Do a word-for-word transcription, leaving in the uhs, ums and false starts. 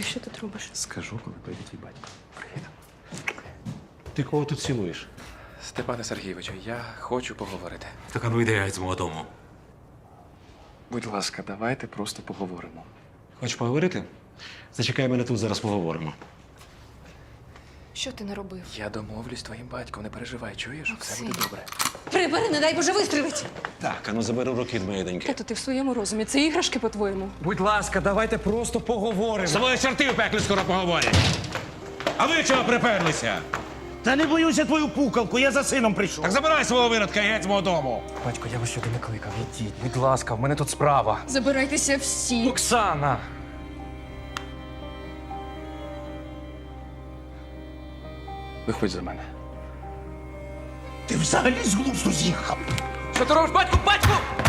Ти що тут робиш? Скажу, коли прийде твій батько. Привіт. Ти кого тут цілуєш? Степане Сергійовичу, я хочу поговорити. Так, а ну йди геть з мого дому. Будь ласка, давайте просто поговоримо. Хочеш поговорити? Зачекай мене тут, зараз поговоримо. Що ти наробив? Я домовлюсь з твоїм батьком, не переживай, чуєш? Все Максим. буде добре. Прибери, не дай Боже, вистрілить! Так, а ну забери руки від моєї доньки. Тато, ти в своєму розумі. Це іграшки, по-твоєму. Будь ласка, давайте просто поговоримо. З тобою чорти в пеклі скоро поговорять. А ви чого приперлися? Та не боюся твою пукалку, я за сином прийшов. Так забирай свого виродка і геть з мого дому. Батько, я вас сюди не кликав. Ідіть, будь ласка, в мене тут справа. Забирайтеся всі. Оксана! Виходь за мене. Ти взагалі з глузду з'їхав. Що ти робиш, батьку? Батьку!